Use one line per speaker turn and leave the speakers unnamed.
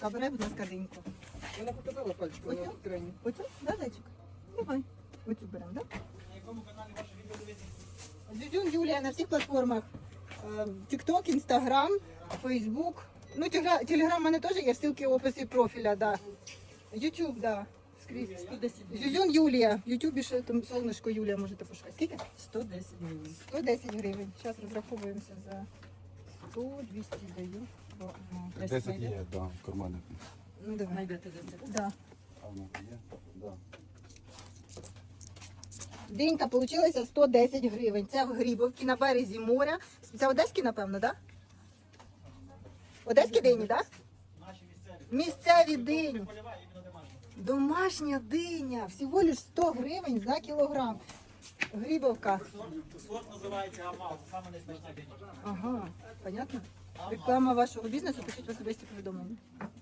Обирай, будь ласка, диньку.
Вона показала пальчиком
Оцю?
на екрані.
Оцю? Да, зайчик? Давай. Оцю беремо, да?
На якому каналі ваше відео дивиться?
Зюзюн Юлія на всіх платформах. TikTok, Instagram, Facebook. Ну, Telegram в мене теж є, ссылки в описі профіля, да. YouTube, да. Скрізь.
110
Зюзюн Юлія. В Ютубі ще там сонечко Юлія можете пошукати. Скільки?
110 гривень.
110 гривень. Зараз розраховуємося за 100, 200 даю. Бо, ну,
10 є, да, в кармані.
Ну, давай.
Знайдете 10.
Да.
А воно є? Да.
Денька получилася 110 гривень. Це в Грибовці на березі моря. Це одеські, напевно, так? Да? Одеські дині, так? Да?
Наші місцеві.
Місцеві дині.
Польова, іменно домашня.
Домашня диня. Всього лиш 100 гривень за кілограм. Грибовка.
Сорт називається Амал, саме найсмачніша диня.
Ага, понятно? Реклама вашого бізнесу, пишіть в особисті повідомлення.